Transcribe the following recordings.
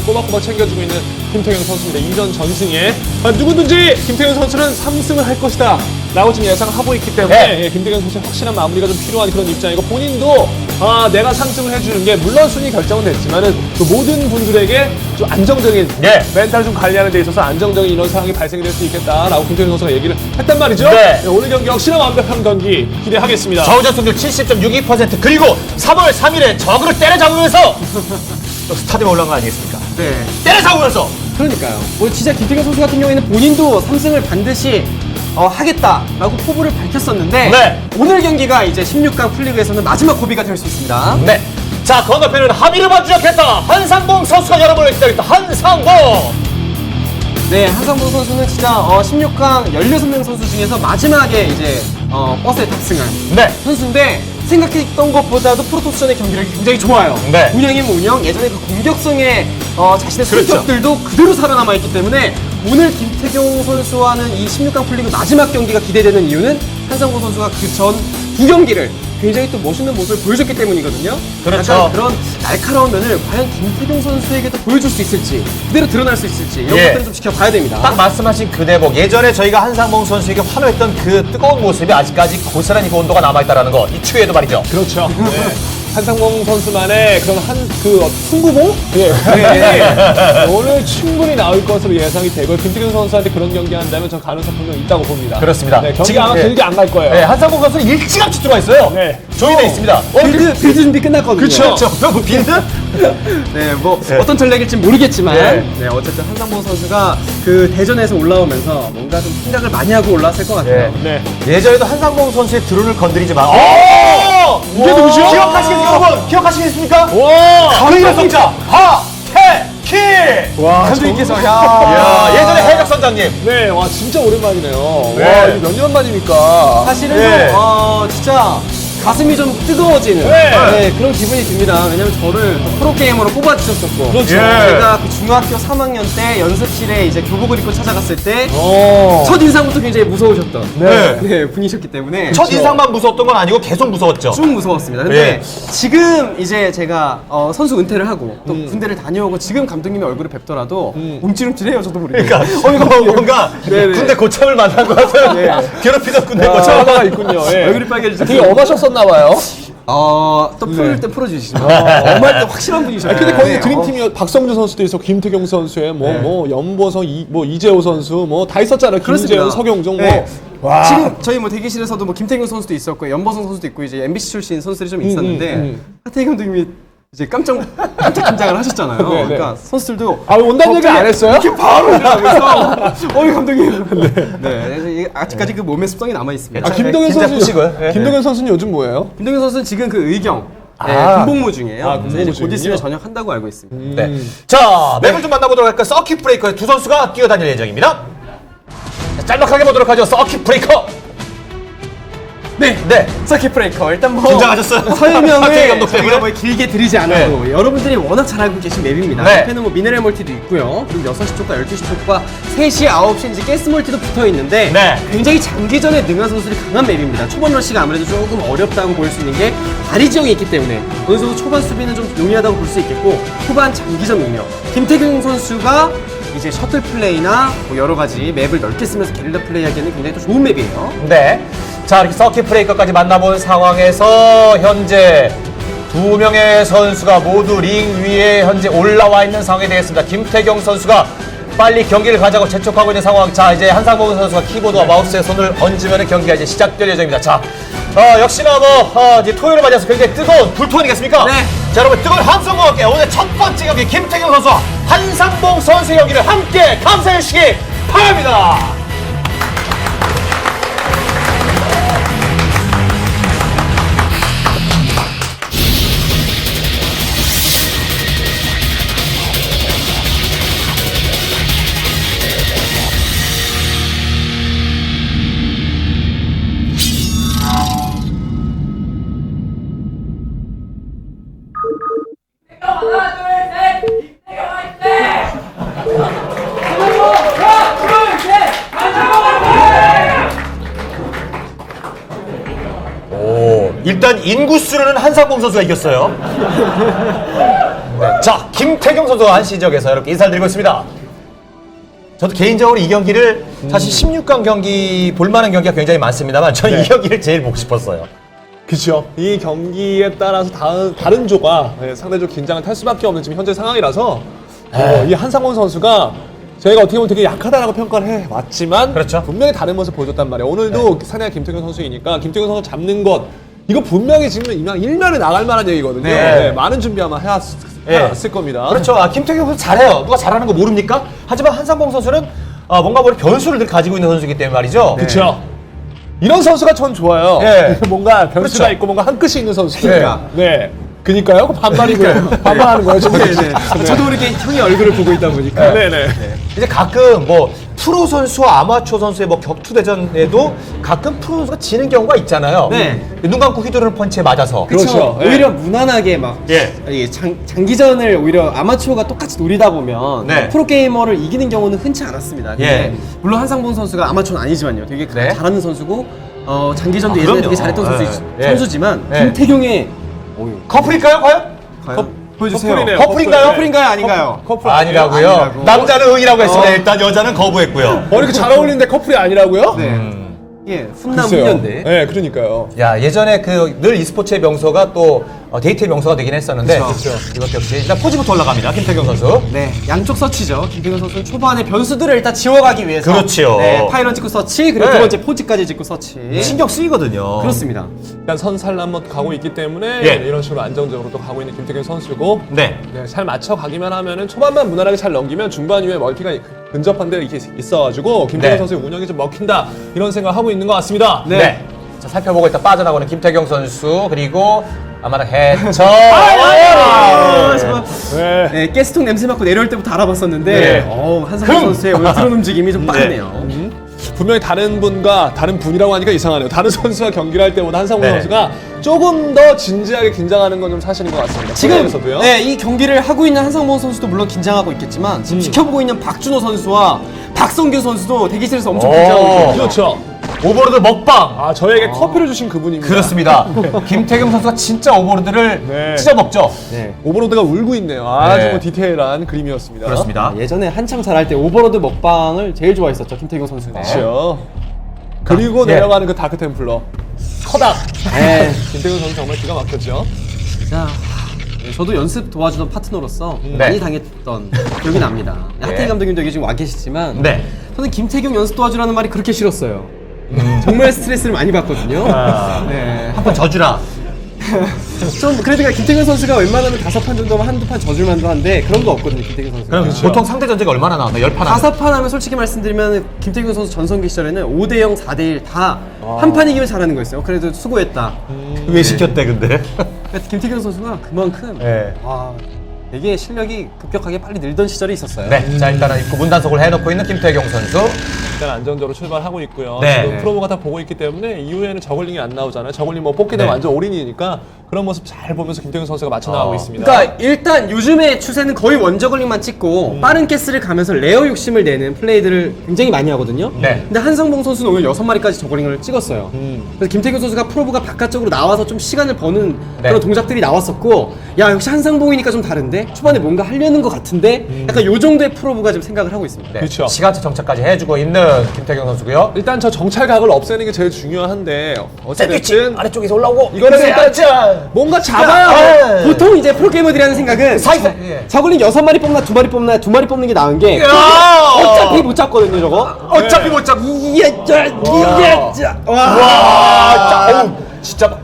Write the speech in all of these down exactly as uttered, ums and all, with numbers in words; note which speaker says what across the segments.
Speaker 1: 꼬박꼬박 챙겨주고 있는 김태경 선수입니다. 이전 전승에 아, 누구든지 김태경 선수는 삼 승을 할 것이다 라고 지금 예상하고 있기 때문에
Speaker 2: 네.
Speaker 1: 예, 김태경 선수의 확실한 마무리가 좀 필요한 그런 입장이고 본인도 아, 내가 삼 승을 해주는 게 물론 순위 결정은 됐지만은 그 모든 분들에게 좀 안정적인
Speaker 2: 네.
Speaker 1: 멘탈 좀 관리하는 데 있어서 안정적인 이런 상황이 발생이 될 수 있겠다라고 김태경 선수가 얘기를 했단 말이죠.
Speaker 2: 네.
Speaker 1: 네, 오늘 경기 역시나 완벽한 경기 기대하겠습니다.
Speaker 2: 좌우전 승률 칠십 점 육이 퍼센트 그리고 삼월 삼일에 적으로 때려잡으면서 또 스타디움 올라간 거 아니겠습니까?
Speaker 3: 네.
Speaker 2: 때려잡으면서
Speaker 3: 그러니까요. 뭐 진짜 김태경 선수 같은 경우에는 본인도 삼 승을 반드시 어, 하겠다라고 포부를 밝혔었는데
Speaker 2: 네.
Speaker 3: 오늘 경기가 이제 십육 강 풀리그에서는 마지막 고비가 될 수 있습니다.
Speaker 2: 네. 자, 건너편은 합의를 만주작했다. 한상봉 선수가 여러분을 기다렸다. 한상봉.
Speaker 3: 네, 한상봉 선수는 진짜 어, 십육 강 열여섯 명 선수 중에서 마지막에 이제 어, 버스에 탑승한
Speaker 2: 네.
Speaker 3: 선수인데 생각했던 것보다도 프로토스전의 경기력이 굉장히 좋아요.
Speaker 2: 네.
Speaker 3: 운영이면 운영, 예전에 그 공격성의 어, 자신의
Speaker 2: 그렇죠.
Speaker 3: 성격들도 그대로 살아남아있기 때문에 오늘 김태경 선수와는 이 십육 강 풀리그 마지막 경기가 기대되는 이유는 한상봉 선수가 그 전 두 경기를 굉장히 또 멋있는 모습을 보여줬기 때문이거든요.
Speaker 2: 그렇죠.
Speaker 3: 약간 그런 날카로운 면을 과연 김태경 선수에게도 보여줄 수 있을지, 그대로 드러날 수 있을지 이런
Speaker 2: 예.
Speaker 3: 것들을 좀 지켜봐야 됩니다.
Speaker 2: 딱 말씀하신 그 대목. 예전에 저희가 한상봉 선수에게 환호했던 그 뜨거운 모습이 아직까지 고스란히 그 온도가 남아있다는 거. 이 추위에도 말이죠.
Speaker 1: 그렇죠. 네. 한상봉 선수만의 그런 한 그 승부봉? 예.
Speaker 3: 네.
Speaker 1: 오늘 충분히 나올 것으로 예상이 되고 김태경 선수한테 그런 경기 한다면 저 가능성 분명 있다고 봅니다.
Speaker 2: 그렇습니다.
Speaker 1: 네, 경기
Speaker 2: 지금,
Speaker 1: 아마
Speaker 2: 네.
Speaker 1: 길게 안 갈 거예요.
Speaker 2: 네, 한상봉 선수는 일찌감치 들어와 있어요.
Speaker 1: 네.
Speaker 2: 조인해 있습니다. 어,
Speaker 3: 빌드, 빌드 준비 끝났거든요.
Speaker 2: 그렇죠. 뭐 빌드?
Speaker 3: 네, 뭐
Speaker 2: 네.
Speaker 3: 어떤 전략일지 모르겠지만
Speaker 2: 네.
Speaker 3: 네, 어쨌든 한상봉 선수가 그 대전에서 올라오면서 뭔가 좀 생각을 많이 하고 올라왔을 것 같아요.
Speaker 2: 네.
Speaker 1: 네.
Speaker 2: 예전에도 한상봉 선수의 드론을 건드리지 마. 오!
Speaker 1: 이게 누구죠?
Speaker 2: 기억하시겠습니까, 여러분? 기억하시겠습니까?
Speaker 1: 와!
Speaker 2: 강인의 성자 하태키!
Speaker 1: 와,
Speaker 3: 감독님께서
Speaker 1: 정-
Speaker 3: 야,
Speaker 2: 야, 예전에 해적 선장님.
Speaker 1: 네, 와 진짜 오랜만이네요.
Speaker 2: 네.
Speaker 1: 와, 이게 몇 년 만입니까?
Speaker 3: 사실은
Speaker 2: 네.
Speaker 3: 좀, 어, 진짜 가슴이 좀 뜨거워지는
Speaker 1: 네.
Speaker 3: 네, 그런 기분이 듭니다. 왜냐면 저를 프로게이머로 뽑아주셨었고
Speaker 1: 그렇죠.
Speaker 2: 예.
Speaker 3: 제가 그 중학교 삼 학년 때 연습실에 이제 교복을 입고 찾아갔을 때
Speaker 1: 어.
Speaker 3: 첫 인상부터 굉장히 무서우셨던
Speaker 2: 네.
Speaker 3: 네, 분이셨기 때문에
Speaker 2: 첫 인상만 무서웠던 건 아니고 계속 무서웠죠.
Speaker 3: 좀 무서웠습니다. 근데
Speaker 2: 예.
Speaker 3: 지금 이제 제가 어, 선수 은퇴를 하고 또
Speaker 1: 음.
Speaker 3: 군대를 다녀오고 지금 감독님의 얼굴을 뵙더라도
Speaker 1: 음.
Speaker 3: 움찔움찔해요. 저도 모르게.
Speaker 2: 그러니까 어, 이거 뭔가
Speaker 3: 네네.
Speaker 2: 군대 고참을 만난 것 같아요.
Speaker 3: 네.
Speaker 2: 괴롭히던 군대
Speaker 1: 아,
Speaker 2: 고참.
Speaker 1: 하나가 있군요. 예.
Speaker 3: 얼굴이 빨개지죠.
Speaker 1: 되게 엄하셨었나 봐요.
Speaker 3: 어, 또 풀릴 때 풀어주시죠. 엄할 때 확실한 분이셔요.
Speaker 1: 아, 근데 거의
Speaker 3: 네.
Speaker 1: 드림팀이 박성준 선수도 있어, 김태경 선수의 뭐, 뭐, 연보성, 이, 뭐, 이재호 선수, 뭐, 다 있었잖아요.
Speaker 3: 그렇습니다.
Speaker 1: 김재훈, 서경종, 뭐.
Speaker 3: 네.
Speaker 1: 와.
Speaker 3: 지금 저희 뭐 대기실에서도 뭐 김태경 선수도 있었고 연보성 선수도 있고 이제 엠비씨 출신 선수들이 좀 있었는데
Speaker 1: 음, 음.
Speaker 3: 하태희 감독님이 이제 깜짝 깜짝 긴장을 하셨잖아요.
Speaker 1: 네, 네.
Speaker 3: 그러니까 선수들도
Speaker 1: 아, 온다는 얘기 안 했어요?
Speaker 3: 이렇게 바로 일어나면서 어이 감독님. 네. 그래서 이게 아직까지 그 몸의 습성이 남아 있습니다.
Speaker 1: 아, 김동현
Speaker 2: 긴장
Speaker 1: 선수.
Speaker 2: 푸시고요. 예.
Speaker 1: 김동현 선수는 요즘 뭐예요?
Speaker 3: 김동현 선수는 지금 그 의경 네,
Speaker 2: 아.
Speaker 3: 군복무 중이에요.
Speaker 1: 아,
Speaker 3: 그래서 이제
Speaker 1: 군복무
Speaker 3: 곧 있으면
Speaker 1: 중이군요.
Speaker 3: 전역한다고 알고 있습니다.
Speaker 2: 네. 자, 맵을 좀 만나보도록 할까요? 서킷 브레이커의 두 선수가 뛰어다닐 예정입니다. 자, 짤막하게 보도록 하죠. 서킷 브레이커.
Speaker 3: 네.
Speaker 2: 네.
Speaker 3: 서킷 브레이커 일단 뭐
Speaker 2: 긴장하셨어요? 하태희
Speaker 3: 설명을
Speaker 2: 감독 때문에?
Speaker 3: 저희가 뭐 길게 드리지 않아도 여러분들이 워낙 잘 알고 계신 맵입니다.
Speaker 2: 네.
Speaker 3: 옆에는 뭐 미네랄 멀티도 있고요. 그리고 여섯 시 쪽과 열두 시 쪽과 세 시, 아홉 시 이제 가스 멀티도 붙어 있는데
Speaker 2: 네.
Speaker 3: 굉장히 장기전에 능한 선수들이 강한 맵입니다. 초반 러시가 아무래도 조금 어렵다고 볼 수 있는 게 다리 지형이 있기 때문에 어느 정도 초반 수비는 좀 용이하다고 볼 수 있겠고 후반 장기전 능력. 김태경 선수가 이제 셔틀 플레이나 뭐 여러 가지 맵을 넓게 쓰면서 게릴라 플레이하기에는 굉장히 또 좋은 맵이에요.
Speaker 2: 네. 자, 이렇게 서킷 브레이커까지 만나본 상황에서 현재 두 명의 선수가 모두 링 위에 현재 올라와 있는 상황이 되겠습니다. 김태경 선수가 빨리 경기를 가자고 재촉하고 있는 상황. 자, 이제 한상봉 선수가 키보드와 마우스에 손을 얹으면 경기가 이제 시작될 예정입니다. 자, 어, 역시나 뭐, 어, 이제 토요일을 맞아서 굉장히 뜨거운 불토 아니겠습니까?
Speaker 3: 네.
Speaker 2: 자, 여러분, 뜨거운 함성과 함께 오늘 첫 번째 경기 김태경 선수와 한상봉 선수의 경기를 함께 감상해 주시기 바랍니다.
Speaker 4: 하나, 둘, 셋! 김태경 화이팅!
Speaker 2: 오, 일단 인구수로는 한상봉 선수가 이겼어요. 네. 자, 김태경 선수가 한 시적에서 이렇게 인사를 드리고 있습니다. 저도 개인적으로 이 경기를 사실 십육 강 경기 볼만한 경기가 굉장히 많습니다만 저는
Speaker 1: 네.
Speaker 2: 이 경기를 제일 보고 싶었어요.
Speaker 1: 그렇죠. 이 경기에 따라서 다른, 다른 조가 네, 상대적 긴장을 탈 수밖에 없는 지금 현재 상황이라서 어, 이 한상원 선수가 저희가 어떻게 보면 되게 약하다라고 평가를 해왔지만
Speaker 2: 그렇죠.
Speaker 1: 분명히 다른 모습 보여줬단 말이에요. 오늘도 사내가 김태균 선수이니까 김태균 선수 잡는 것 이거 분명히 지금 이만 일면에 나갈 만한 얘기거든요.
Speaker 2: 네.
Speaker 1: 네, 많은 준비 아마 해왔,
Speaker 2: 네.
Speaker 1: 해왔을 겁니다.
Speaker 2: 그렇죠. 아, 김태경 선수 잘해요. 누가 잘하는 거 모릅니까? 하지만 한상봉 선수는 아, 뭔가 모르 변수를 늘 가지고 있는 선수이기 때문에 말이죠.
Speaker 1: 그렇죠. 이런 선수가 전 좋아요.
Speaker 2: 네.
Speaker 1: 뭔가 변수가
Speaker 2: 그렇죠.
Speaker 1: 있고 뭔가 한 끗이 있는 선수.
Speaker 2: 그러니까.
Speaker 1: 네. 그니까요? 그 반말이고요. 반말하는 거예요, 지금.
Speaker 3: 네네. 저도 이렇게 형의 얼굴을 보고 있다 보니까.
Speaker 1: 네네.
Speaker 2: 이제 가끔 뭐 프로 선수와 아마추어 선수의 뭐 격투 대전에도 가끔 프로 선수가 지는 경우가 있잖아요.
Speaker 3: 네.
Speaker 2: 눈 감고 휘두르는 펀치에 맞아서.
Speaker 3: 그렇죠.
Speaker 1: 그렇죠. 네.
Speaker 3: 오히려 무난하게 막
Speaker 2: 예.
Speaker 3: 이게 장, 장기전을 오히려 아마추어가 똑같이 노리다 보면
Speaker 2: 네.
Speaker 3: 프로게이머를 이기는 경우는 흔치 않았습니다. 근데
Speaker 2: 예.
Speaker 3: 물론 한상봉 선수가 아마추어는 아니지만요. 되게
Speaker 2: 네.
Speaker 3: 잘하는 선수고 어, 장기전도
Speaker 2: 아,
Speaker 3: 예전에
Speaker 2: 그럼요.
Speaker 3: 되게 잘했던
Speaker 2: 네.
Speaker 3: 선수,
Speaker 2: 예.
Speaker 3: 선수지만
Speaker 2: 예.
Speaker 3: 김태경의 어휴,
Speaker 2: 커플일까요, 과연?
Speaker 3: 과연 보여주세요.
Speaker 1: 커플이네요.
Speaker 2: 커플인가요?
Speaker 3: 커플인가요? 아닌가요?
Speaker 1: 커플
Speaker 2: 아니라고요.
Speaker 3: 아니라고.
Speaker 2: 남자는 응이라고 했습니다. 일단 여자는 거부했고요.
Speaker 1: 어, 이렇게 잘 어울리는데 커플이 아니라고요?
Speaker 3: 네.
Speaker 2: 음.
Speaker 3: 예, 훈남
Speaker 1: 글쎄요.
Speaker 3: 훈련대.
Speaker 1: 네, 그러니까요.
Speaker 2: 야, 예전에 그 늘 e스포츠의 명소가 또 어, 데이트의 명소가 되긴 했었는데
Speaker 3: 그렇죠.
Speaker 2: 이것 역시 일단 포즈부터 올라갑니다. 김태경 선수.
Speaker 3: 네, 양쪽 서치죠. 김태경 선수는 초반에 변수들을 일단 지워가기 위해서.
Speaker 2: 그렇죠.
Speaker 3: 네, 파이런 찍고 서치, 그리고
Speaker 2: 네.
Speaker 3: 두 번째 포즈까지 찍고 서치.
Speaker 2: 신경 쓰이거든요.
Speaker 3: 그렇습니다.
Speaker 1: 일단 선살 한번 가고 있기 때문에
Speaker 2: 예.
Speaker 1: 이런 식으로 안정적으로 또 가고 있는 김태균 선수고
Speaker 2: 네.
Speaker 1: 네, 잘 맞춰 가기만 하면은 초반만 무난하게 잘 넘기면 중반 이후에 멀티가 근접한 데가 이렇게 있어가지고 김태균
Speaker 2: 네.
Speaker 1: 선수의 운영이 좀 먹힌다 이런 생각을 하고 있는 것 같습니다.
Speaker 2: 네. 자, 살펴보고 있다 빠져나오는 김태경 선수 그리고 아마랑 해처.
Speaker 3: 아, 정말.
Speaker 1: 네.
Speaker 3: 네, 가스통 냄새 맡고 내려올 때부터 알아봤었는데,
Speaker 2: 네.
Speaker 3: 어, 한상훈
Speaker 2: 흠.
Speaker 3: 선수의 오늘 드론 움직임이 좀 빠르네요.
Speaker 1: 분명히 다른 분과 다른 분이라고 하니까 이상하네요. 다른 선수와 경기를 할 때보다 한상훈
Speaker 2: 네.
Speaker 1: 선수가 조금 더 진지하게 긴장하는 건 좀 사실인 것 같습니다.
Speaker 3: 지금
Speaker 1: 프로에서도요.
Speaker 3: 네, 이 경기를 하고 있는 한상봉 선수도 물론 긴장하고 있겠지만 지금 지켜보고 있는 박준호 선수와 박성규 선수도 대기실에서 엄청
Speaker 2: 오.
Speaker 3: 긴장하고 있거든요.
Speaker 1: 그렇죠.
Speaker 2: 오버로드 먹방.
Speaker 1: 아 저에게 커피를 주신 그분입니다.
Speaker 2: 그렇습니다. 김태경 선수가 진짜 오버로드를
Speaker 1: 네.
Speaker 2: 찢어 먹죠.
Speaker 3: 네.
Speaker 1: 오버로드가 울고 있네요. 아주
Speaker 2: 네.
Speaker 1: 뭐 디테일한 그림이었습니다.
Speaker 2: 그렇습니다.
Speaker 3: 예전에 한참 잘할 때 오버로드 먹방을 제일 좋아했었죠, 김태경 선수가.
Speaker 1: 그렇죠. 그리고
Speaker 2: 예.
Speaker 1: 내려가는 그 다크 템플러 커닥.
Speaker 3: 네.
Speaker 1: 김태균 선수 정말 기가 막혔죠.
Speaker 3: 진짜 네, 저도 연습 도와주던 파트너로서
Speaker 2: 네.
Speaker 3: 많이 당했던 기억이 납니다. 하태희 감독님도 여기 지금 와 계시지만
Speaker 2: 네.
Speaker 3: 저는 김태경 연습 도와주라는 말이 그렇게 싫었어요. 정말 스트레스를 많이 받거든요.
Speaker 2: 아.
Speaker 3: 네.
Speaker 2: 한번 져주라.
Speaker 3: 좀 그래도 김태경 선수가 웬만하면 다섯 판 정도면 한두 판 져줄 만도 한데 그런 거 없거든요, 김태경 선수가.
Speaker 2: 그럼 보통 상대 전제가 얼마나 나왔나? 열 판.
Speaker 3: 다섯 판 하면 솔직히 말씀드리면 김태균 선수 전성기 시절에는 오 대 영, 사 대 일 다 한 판 이기면 잘하는 거였어요. 그래도 수고했다.
Speaker 2: 왜 시켰대 근데?
Speaker 3: 그러니까 김태균 선수가 그만큼
Speaker 2: 네.
Speaker 3: 와, 되게 실력이 급격하게 빨리 늘던 시절이 있었어요.
Speaker 2: 네. 자 일단은 입구 문단속을 해놓고 있는 김태경 선수.
Speaker 1: 일단 안정적으로 출발하고 있고요.
Speaker 2: 네.
Speaker 1: 지금 프로모가 다 보고 있기 때문에 이후에는 저글링이 안 나오잖아요. 저글링 뭐 뽑기 되면
Speaker 2: 네.
Speaker 1: 완전 올인이니까 그런 모습 잘 보면서 김태균 선수가 맞춰 나가고
Speaker 2: 어.
Speaker 1: 있습니다.
Speaker 3: 그러니까 일단 요즘의 추세는 거의 원저글링만 찍고 빠른 가스를 가면서 레어 욕심을 내는 플레이들을 굉장히 많이 하거든요.
Speaker 2: 네.
Speaker 3: 근데 한상봉 선수는 오늘 여섯 마리까지 저글링을 찍었어요.
Speaker 1: 음.
Speaker 3: 그래서 김태균 선수가 프로브가 바깥쪽으로 나와서 좀 시간을 버는
Speaker 2: 네.
Speaker 3: 그런 동작들이 나왔었고, 야 역시 한상봉이니까 좀 다른데 초반에 뭔가 하려는 것 같은데 약간 요 정도의 프로브가 좀 생각을 하고 있습니다.
Speaker 2: 네.
Speaker 1: 그렇죠.
Speaker 2: 시간차 정착까지 해주고 있는 김태경 선수고요.
Speaker 1: 일단 저 정찰각을 없애는 게 제일 중요한데 어쨌든
Speaker 2: 아래쪽에서 올라오고.
Speaker 1: 이거는 일단
Speaker 2: 짠.
Speaker 1: 뭔가 잡아야
Speaker 2: 아,
Speaker 3: 보통 이제 프로게이머들이 하는 생각은
Speaker 2: 사이사. 예.
Speaker 3: 저글링 여섯 마리 뽑나 두 마리 뽑나 두 마리 뽑는 게 나은 게
Speaker 2: 야!
Speaker 3: 어차피 못 잡거든요 저거.
Speaker 2: 어차피 못 잡.
Speaker 3: 이야 짜 이야 짜 와.
Speaker 2: 와, 짜, 어우, 진짜.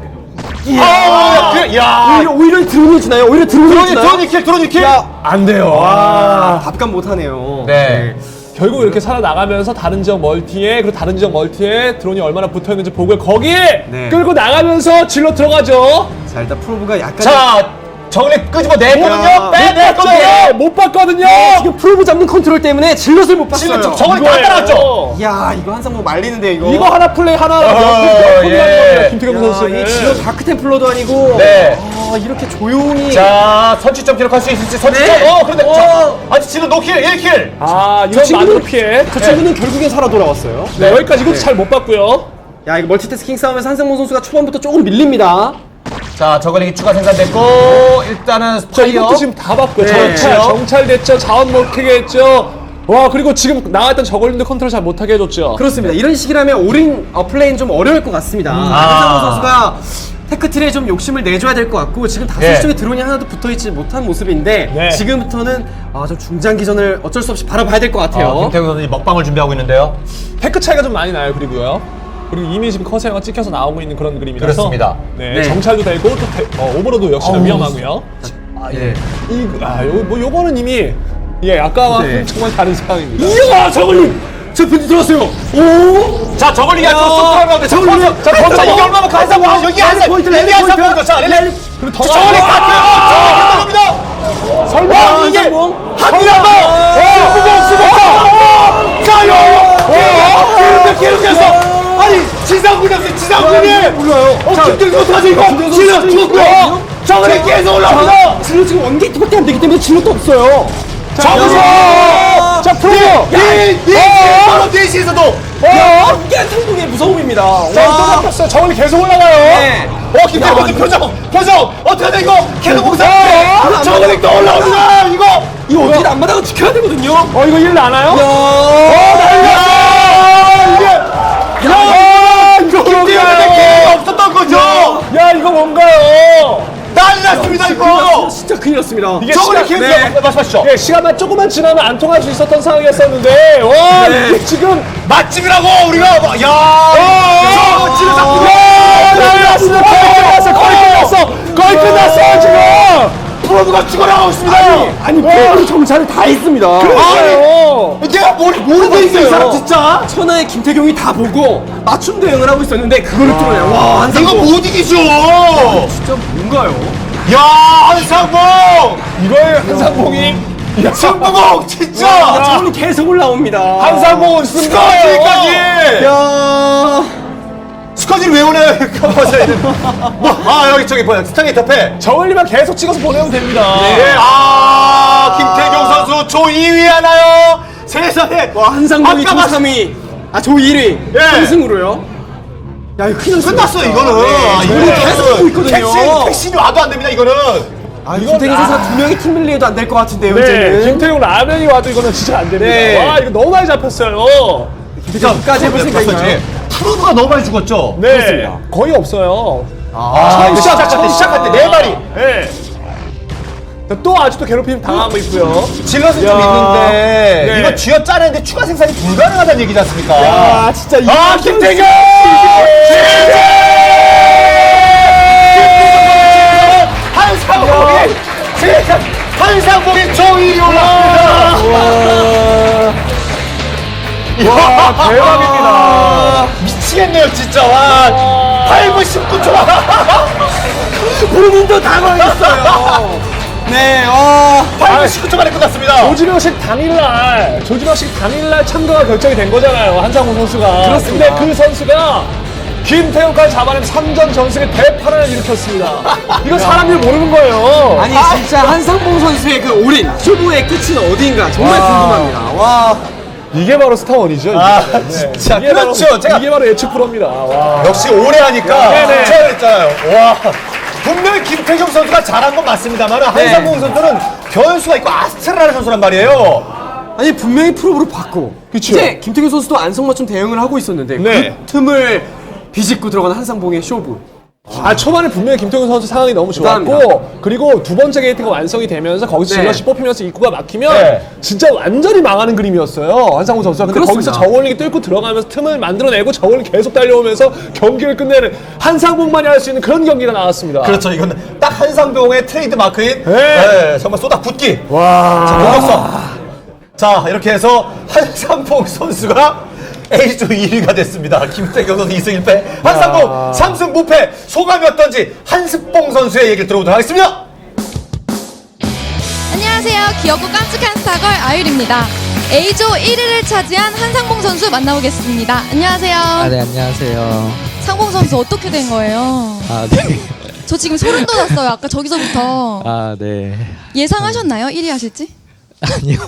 Speaker 2: 아, 그, 야,
Speaker 3: 오히려 오히려 드론이 주나요? 오히려 드론이
Speaker 2: 드론이
Speaker 3: 주나요?
Speaker 2: 드론이 킬, 드론이 킬.
Speaker 1: 안 돼요.
Speaker 3: 아, 답감 못하네요.
Speaker 2: 네.
Speaker 1: 결국 이렇게 살아나가면서 다른 지역 멀티에 그리고 다른 지역 멀티에 드론이 얼마나 붙어있는지 보고 거기에
Speaker 3: 네.
Speaker 1: 끌고 나가면서 질러 들어가죠.
Speaker 3: 자 일단 프로브가 약간
Speaker 2: 자, 정리 끄집어 내거든요.
Speaker 3: 야,
Speaker 2: 빼내거든요.
Speaker 1: 네, 못 봤거든요.
Speaker 3: 지금 프로브 잡는 컨트롤 때문에 질럿을 못 봤어요.
Speaker 2: 지금 저걸 다
Speaker 1: 이거예요.
Speaker 2: 따라왔죠.
Speaker 3: 야 이거 한상봉 말리는데 이거.
Speaker 1: 이거 하나 플레이 하나
Speaker 2: 어,
Speaker 1: 몇
Speaker 2: 예.
Speaker 1: 예. 김태경
Speaker 3: 야,
Speaker 1: 선수는
Speaker 3: 이 질럿 다크템플러도 아니고.
Speaker 2: 네.
Speaker 3: 아 이렇게 조용히.
Speaker 2: 자, 선취점 기록할 수 있을지 선취점.
Speaker 3: 네.
Speaker 2: 어, 그런데
Speaker 3: 어.
Speaker 2: 자, 아직 지금 노킬 일 킬.
Speaker 1: 아 이런
Speaker 3: 친구는-
Speaker 1: 많은 피해.
Speaker 3: 그 친구는 결국엔 살아 돌아왔어요.
Speaker 1: 네, 여기까지 이것도
Speaker 3: 네.
Speaker 1: 잘 못 봤고요.
Speaker 3: 야 이거 멀티태스킹 싸움에서 한상봉 선수가 초반부터 조금 밀립니다.
Speaker 2: 자, 저글링이 추가 생산됐고 일단은
Speaker 1: 자,
Speaker 2: 스파이어.
Speaker 1: 이것도 지금 다 봤고요.
Speaker 3: 네.
Speaker 1: 정찰, 정찰됐죠. 자원 먹히게 했죠. 와, 그리고 지금 나왔던 저걸린도 컨트롤 잘 못하게 해줬죠.
Speaker 3: 그렇습니다. 이런 식이라면 올인 어, 플레이는 좀 어려울 것 같습니다. 한상호 선수가 테크트리에 좀 욕심을 내줘야 될 것 같고 지금 다섯 시
Speaker 2: 예.
Speaker 3: 쪽에 드론이 하나도 붙어있지 못한 모습인데
Speaker 1: 네.
Speaker 3: 지금부터는 아, 좀 중장기전을 어쩔 수 없이 바라봐야 될 것 같아요.
Speaker 2: 어, 김태균 선수 먹방을 준비하고 있는데요.
Speaker 1: 테크 차이가 좀 많이 나요. 그리고요. 그리고 이미 지금 커세어가 찍혀서 나오고 있는 그런 그림이라서
Speaker 2: 그렇습니다.
Speaker 1: 네,
Speaker 3: 네.
Speaker 1: 정찰도 되고 또 테, 어, 오버로드 역시나 위험하고요.
Speaker 2: 아,
Speaker 3: 예.
Speaker 1: 이, 아, 요, 뭐 요거는 이미 예, 아까와
Speaker 3: 네.
Speaker 1: 정말 다른 상황입니다.
Speaker 3: 이야, 저걸림! 저 편지 들었어요. 오!
Speaker 2: 자, 저글링이
Speaker 3: 야.
Speaker 2: 앞으로 쏙 들어가는데 자,
Speaker 3: 저글링.
Speaker 2: 거기서 자, 거기서 이게 얼마만큼 한상 와 여기 한상
Speaker 3: 포인트,
Speaker 2: 여기
Speaker 3: 랠리
Speaker 2: 한상
Speaker 3: 포인트.
Speaker 2: 포인트. 자, 랠리.
Speaker 1: 그리고 더
Speaker 2: 저글링
Speaker 1: 나아가-
Speaker 2: 갔고요. 저글링 들어갑니다. 설마 이게
Speaker 3: 한상봉.
Speaker 2: 한명 더. 수복 수복. 자, 요. 계속 계속해서 아니 지상군이 없어요. 지상군이 몰라요. 어, 김태균 선수 하지 이거. 지금 죽었고요. 저글링 계속 올라옵니다.
Speaker 3: 질러 지금 원게이트밖에 안 되기 때문에 질러도 없어요.
Speaker 2: 저기서
Speaker 1: 자, 프로!
Speaker 2: 바로 대시에서도
Speaker 3: 야, 이게 한상봉의 무서움입니다.
Speaker 1: 자, 또
Speaker 3: 와.
Speaker 1: 잡혔어요. 저걸리 계속 올라가요.
Speaker 3: 네.
Speaker 2: 어, 김태균 선수 표정 표정 어떻게 돼 이거 계속 공사 저글링 또 올라옵니다. 이거
Speaker 3: 이거 어떻게 안 마다고 지켜야 되거든요.
Speaker 1: 어, 이거 일 나나요?
Speaker 2: 야, 야, 이거 김태균의 기회가 없었던 거죠.
Speaker 1: 야, 이거 뭔가요?
Speaker 2: 난리 났습니다 이거.
Speaker 3: 진짜 큰일 났습니다.
Speaker 1: 이게
Speaker 2: 저글링
Speaker 1: 시간-
Speaker 2: 기회
Speaker 3: 네.
Speaker 2: 말씀하시죠.
Speaker 1: 예, 시간만 조금만 지나면 안 통할 수 있었던 상황이었었는데, 와,
Speaker 3: 네.
Speaker 1: 이게 지금
Speaker 2: 맛집이라고 우리가 막- 야, 저 지금 자꾸
Speaker 1: 난리 났어! 거의 끝났어! 거의 끝났어! 거의 끝났어, 지금!
Speaker 2: 프로브가 죽어나가고 있습니다.
Speaker 3: 아니, 프로그램 정찰을 다 했습니다.
Speaker 1: 그래요!
Speaker 2: 내가 뭘 모르고 있어 이 사람 진짜.
Speaker 3: 천하의 김태경이 다 보고 맞춤 대응을 하고 있었는데 그거를 뚫어내요. 와,
Speaker 2: 이거
Speaker 3: 한상봉.
Speaker 2: 못 이기죠.
Speaker 3: 진짜 뭔가요?
Speaker 2: 야, 한상봉
Speaker 1: 이거에 한상봉이
Speaker 2: 승부봉 진짜.
Speaker 3: 아, 저걸로 계속 올라옵니다.
Speaker 1: 한상봉은 쓴
Speaker 2: 스커지까지.
Speaker 3: 야,
Speaker 2: 스커지를 왜 오나요? 뭐, 아 여기 저기 뭐야 스타게이트 앞에.
Speaker 1: 저울리만 계속 찍어서 보내면 됩니다.
Speaker 2: 예, 아 김태경 선수 조 이 위 하나요? 세상에.
Speaker 3: 와, 한상봉이
Speaker 2: 아까
Speaker 3: 조
Speaker 2: 봤-
Speaker 3: 삼 위, 아, 조 일 위.
Speaker 2: 예.
Speaker 3: 삼승으로요. 야, 이거 큰일 났어요.
Speaker 2: 끝났어 이거는. 아,
Speaker 3: 이거 계속 하고 있거든요.
Speaker 2: 택시 택시이 와도 안 됩니다 이거는.
Speaker 3: 아, 김태경 선수가 두 명이 팀 밀리해도 안 될 것 같은데요,
Speaker 1: 네,
Speaker 3: 이제는.
Speaker 1: 김태용 라면이 와도 이거는 진짜 안 됩니다.
Speaker 3: 네.
Speaker 1: 와, 이거 너무 많이 잡혔어요.
Speaker 3: 김태경까지 해볼 생각인가요?
Speaker 2: 프로브가 너무 많이 죽었죠.
Speaker 1: 네,
Speaker 3: 그렇습니다.
Speaker 1: 거의 없어요.
Speaker 2: 아,
Speaker 1: 처음
Speaker 2: 시작할 때
Speaker 1: 처음
Speaker 2: 시작할 때 네 마리.
Speaker 1: 네. 또 아직도 괴롭힘 당하고 있고요.
Speaker 2: 질럿은 좀
Speaker 1: 야.
Speaker 2: 있는데
Speaker 1: 네.
Speaker 2: 이거 쥐어 짜내는데 추가 생산이 불가능하다는 얘기지 않습니까?
Speaker 3: 아, 진짜 이
Speaker 2: 아, 김태경! 한상봉이 지금 한상봉이 조일이 올라옵니다.
Speaker 1: 와, 대박입니다.
Speaker 2: 미치겠네요 진짜. 와, 팔 분 십구 초.
Speaker 3: 본인도 당황했어요. 네, 어.
Speaker 2: 팔 분 십구 초 만에 끝났습니다.
Speaker 1: 조지명식 당일날, 조지명식 당일날 참가가 결정이 된 거잖아요. 한상호 선수가.
Speaker 3: 그렇습니다.
Speaker 1: 근데 그 선수가 김태형까지 잡아낸 삼 전 전승의 대파란을 일으켰습니다. 이거 사람들이 모르는 거예요.
Speaker 3: 아니, 진짜 한상봉 선수의 그 올인, 쇼부의 끝은 어디인가 정말
Speaker 1: 와.
Speaker 3: 궁금합니다. 와.
Speaker 1: 이게 바로 스타원이죠. 이게.
Speaker 2: 아,
Speaker 1: 네.
Speaker 2: 진짜.
Speaker 1: 이게 바로,
Speaker 2: 그렇죠. 제가-
Speaker 1: 이게 바로 예측 프로입니다. 와.
Speaker 2: 역시 오래 하니까
Speaker 1: 네네.
Speaker 2: 제가 했잖아요. 와, 분명히 김태경 선수가 잘한 건 맞습니다만 한상봉 선수는 변수가 있고 아스트라라는 선수란 말이에요.
Speaker 3: 아니, 분명히 프로브로 받고.
Speaker 1: 그쵸.
Speaker 3: 이제 김태균 선수도 안성맞춤 대응을 하고 있었는데
Speaker 1: 네.
Speaker 3: 그 틈을 비집고 들어간 한상봉의 쇼부.
Speaker 1: 아, 초반에 분명히 김태균 선수 상황이 너무 좋았고,
Speaker 3: 대단합니다.
Speaker 1: 그리고 두 번째 게이트가 완성이 되면서 거기서
Speaker 3: 네.
Speaker 1: 질럿이 뽑히면서 입구가 막히면
Speaker 2: 네.
Speaker 1: 진짜 완전히 망하는 그림이었어요. 한상호 선수가. 근데
Speaker 3: 그렇습니다.
Speaker 1: 거기서 저울링이 뚫고 들어가면서 틈을 만들어내고 저울링 계속 달려오면서 경기를 끝내는 한상봉만이 할 수 있는 그런 경기가 나왔습니다.
Speaker 2: 그렇죠. 이건 딱 한상봉의 트레이드 마크인
Speaker 1: 네.
Speaker 2: 네, 정말 쏟아 붓기.
Speaker 1: 와.
Speaker 2: 자, 공격성. 자, 이렇게 해서 한상봉 선수가 A조 일 위가 됐습니다. 김태경 선수 이 승 일 패, 한상봉 삼 승 무패. 소감이 어떤지 한스봉 선수의 얘기를 들어보도록 하겠습니다.
Speaker 5: 안녕하세요. 귀엽고 깜찍한 스타걸 아율입니다. A조 일 위를 차지한 한상봉 선수 만나보겠습니다. 안녕하세요.
Speaker 6: 아, 네, 안녕하세요.
Speaker 5: 상봉 선수 어떻게 된 거예요?
Speaker 6: 아, 네.
Speaker 5: 저 지금 소름 돋았어요. 아까 저기서부터.
Speaker 6: 아, 네.
Speaker 5: 예상하셨나요? 일 위 하실지?
Speaker 6: 아니요.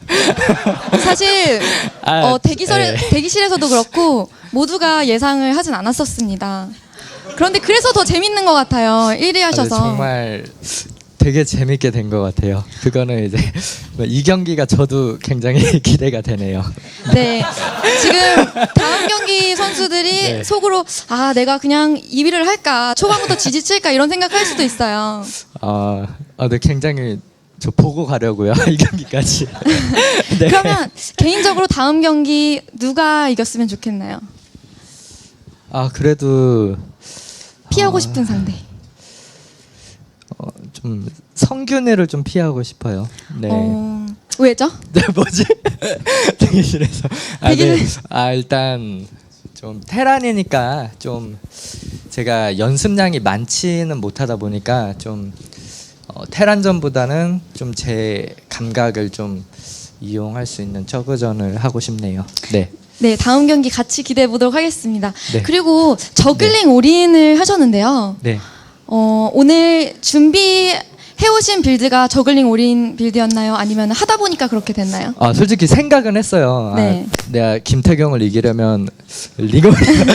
Speaker 5: 사실
Speaker 6: 아,
Speaker 5: 어, 대기설,
Speaker 6: 네.
Speaker 5: 대기실에서도 그렇고 모두가 예상을 하진 않았었습니다. 그런데 그래서 더 재밌는 것 같아요. 일 위
Speaker 6: 아, 네,
Speaker 5: 하셔서.
Speaker 6: 정말 되게 재밌게 된 것 같아요. 그거는 이제 이 경기가 저도 굉장히 기대가 되네요.
Speaker 5: 네. 지금 다음 경기 선수들이
Speaker 6: 네.
Speaker 5: 속으로 아 내가 그냥 이 위를 할까 초반부터 지지칠까 이런 생각할 수도 있어요.
Speaker 6: 아, 아, 네, 굉장히 저 보고 가려고요. 이 경기까지. 네.
Speaker 5: 그러면 개인적으로 다음 경기 누가 이겼으면 좋겠나요?
Speaker 6: 아, 그래도
Speaker 5: 피하고 싶은 상대.
Speaker 6: 어, 좀 성균이를 좀 피하고 싶어요. 네.
Speaker 5: 어, 왜죠?
Speaker 6: 네, 뭐지? 대기실에서. 아, 네.
Speaker 5: 대기실-
Speaker 6: 아, 일단 좀 테란이니까 좀 제가 연습량이 많지는 못하다 보니까 좀 어, 테란전보다는 좀 제 감각을 좀 이용할 수 있는 저그전을 하고 싶네요. 네.
Speaker 5: 네, 다음 경기 같이 기대해 보도록 하겠습니다.
Speaker 6: 네.
Speaker 5: 그리고 저글링 올인을 하셨는데요.
Speaker 6: 네.
Speaker 5: 어, 오늘 준비해 오신 빌드가 저글링 올인 빌드였나요? 아니면 하다 보니까 그렇게 됐나요?
Speaker 6: 아, 솔직히 생각은 했어요.
Speaker 5: 네.
Speaker 6: 아, 내가 김태경을 이기려면 리그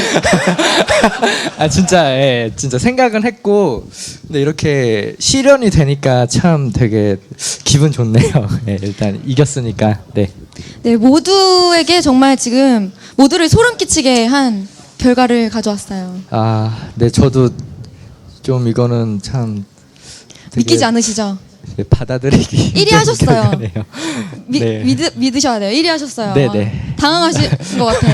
Speaker 6: 아 진짜 예, 진짜 생각은 했고 근데 이렇게 실현이 되니까 참 되게 기분 좋네요. 예, 일단 이겼으니까. 네.
Speaker 5: 네, 모두에게 정말 지금 모두를 소름 끼치게 한 결과를 가져왔어요.
Speaker 6: 아, 네, 저도 좀 이거는 참 되게
Speaker 5: 믿기지 않으시죠?
Speaker 6: 네, 받아들이기
Speaker 5: 일 위
Speaker 6: 힘든
Speaker 5: 하셨어요.
Speaker 6: 결과네요.
Speaker 5: 미,
Speaker 6: 네.
Speaker 5: 믿, 믿으셔야 돼요. 일 위 하셨어요.
Speaker 6: 네, 네.
Speaker 5: 당황하신 것 같아.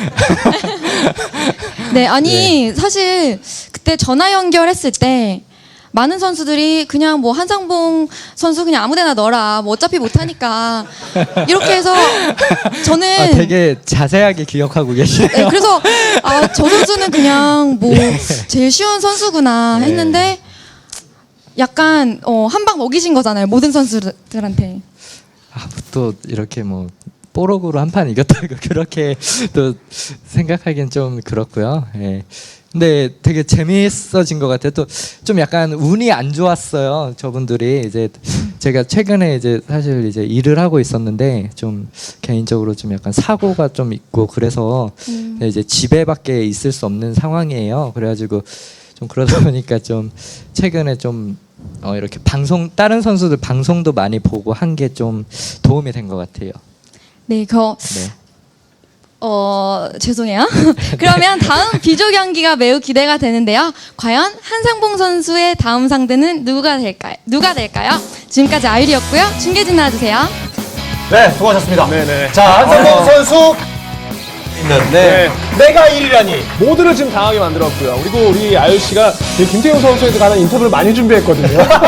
Speaker 5: 네, 아니 사실 그때 전화 연결했을 때 많은 선수들이 그냥 뭐 한상봉 선수 그냥 아무데나 넣어라. 뭐 어차피 못하니까 이렇게 해서 저는
Speaker 6: 아, 되게 자세하게 기억하고 계시네요.
Speaker 5: 네, 그래서 아, 저 선수는 그냥 뭐 제일 쉬운 선수구나 했는데 약간 어, 한 방 먹이신 거잖아요. 모든 선수들한테.
Speaker 6: 아, 또 이렇게 뭐 뽀록으로 한 판 이겼다고 그렇게 또 생각하기엔 좀 그렇고요. 예. 근데 되게 재미있어진 것 같아요. 또 좀 약간 운이 안 좋았어요. 저분들이 이제 제가 최근에 이제 사실 이제 일을 하고 있었는데 좀 개인적으로 좀 약간 사고가 좀 있고 그래서
Speaker 5: 음.
Speaker 6: 이제 집에밖에 있을 수 없는 상황이에요. 그래가지고 좀 그러다 보니까 좀 최근에 좀 어, 이렇게 방송 다른 선수들 방송도 많이 보고 한 게 좀 도움이 된 것 같아요.
Speaker 5: 네, 그
Speaker 6: 네.
Speaker 5: 어, 죄송해요. 그러면 다음 비조 경기가 매우 기대가 되는데요. 과연 한상봉 선수의 다음 상대는 누가 될까요? 누가 될까요? 지금까지 아유리였고요. 중계진 나와주세요.
Speaker 2: 네, 수고하셨습니다.
Speaker 1: 네네.
Speaker 2: 자, 한상봉 선수 있는 네. 내가 일 위라니.
Speaker 1: 모두를 지금 당하게 만들었고요. 그리고 우리 아유 씨가 이 김태형 선수에 관한 인터뷰를 많이 준비했거든요.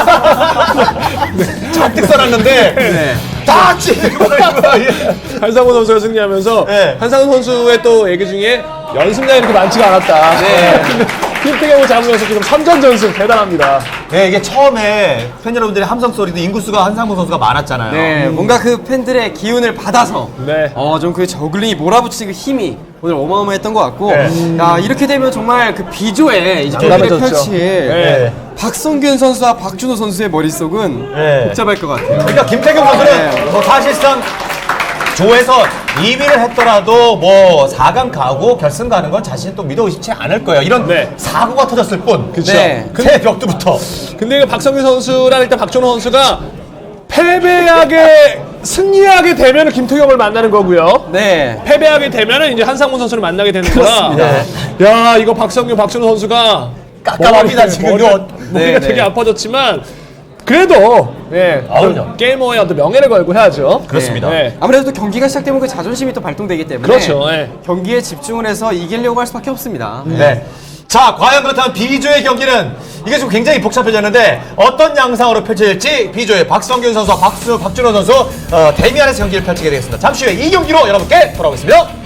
Speaker 2: 잔뜩 써놨는데
Speaker 1: 네.
Speaker 2: 다 찌르고 예.
Speaker 1: 한상훈 선수가 승리하면서
Speaker 2: 네.
Speaker 1: 한상훈 선수의 또 얘기 중에 연습량이 이렇게 많지가 않았다.
Speaker 2: 네.
Speaker 1: 근데 김태경을 잡으면서 지금 삼 전 전승 대단합니다.
Speaker 2: 네, 이게 처음에 팬 여러분들의 함성 소리도 인구수가 한상봉 선수가 많았잖아요.
Speaker 3: 네, 뭔가 그 팬들의 기운을 받아서
Speaker 1: 네.
Speaker 3: 어, 좀 그 저글링이 몰아붙이는 그 힘이 오늘 어마어마했던 것 같고
Speaker 1: 네.
Speaker 3: 야, 이렇게 되면 정말 그 비조에 이제 경기를
Speaker 1: 난감해졌죠.
Speaker 3: 펼칠
Speaker 1: 네.
Speaker 3: 박성균 선수와 박준호 선수의 머릿속은
Speaker 2: 네.
Speaker 3: 복잡할 것 같아요.
Speaker 2: 그러니까 김태경 선수는
Speaker 3: 네.
Speaker 2: 뭐 사실상 조에서 이 위를 했더라도 뭐 사 강 가고 결승 가는 건 자신 또 믿어 의심치 않을 거예요. 이런
Speaker 1: 네.
Speaker 2: 사고가 터졌을 뿐.
Speaker 1: 그쵸.
Speaker 3: 네.
Speaker 2: 새 벽두부터.
Speaker 1: 근데 그 박성규 선수랑 일단 박준호 선수가 패배하게 승리하게 되면 김태경을 만나는 거고요.
Speaker 3: 네.
Speaker 1: 패배하게 되면은 이제 한상문 선수를 만나게 되는 거라. 야, 이거 박성규, 박준호 선수가
Speaker 2: 깜깜합니다,
Speaker 1: 머리,
Speaker 2: 지금.
Speaker 1: 머리,
Speaker 2: 이거.
Speaker 1: 머리가
Speaker 3: 네,
Speaker 1: 되게
Speaker 3: 네.
Speaker 1: 아파졌지만 그래도 예,
Speaker 2: 아, 그럼요.
Speaker 1: 게이머의 어떤 명예를 걸고 해야죠.
Speaker 2: 그렇습니다.
Speaker 1: 네.
Speaker 3: 아무래도 또 경기가 시작되면 그 자존심이 또 발동되기 때문에
Speaker 1: 그렇죠, 예.
Speaker 3: 경기에 집중을 해서 이기려고 할 수밖에 없습니다.
Speaker 2: 네. 자, 과연 그렇다면 B조의 경기는 이게 좀 굉장히 복잡해졌는데 어떤 양상으로 펼쳐질지 B조의 박성균 선수와 박수, 박준호 선수 어, 대미안에서 경기를 펼치게 되겠습니다. 잠시 후에 이 경기로 여러분께 돌아오겠습니다.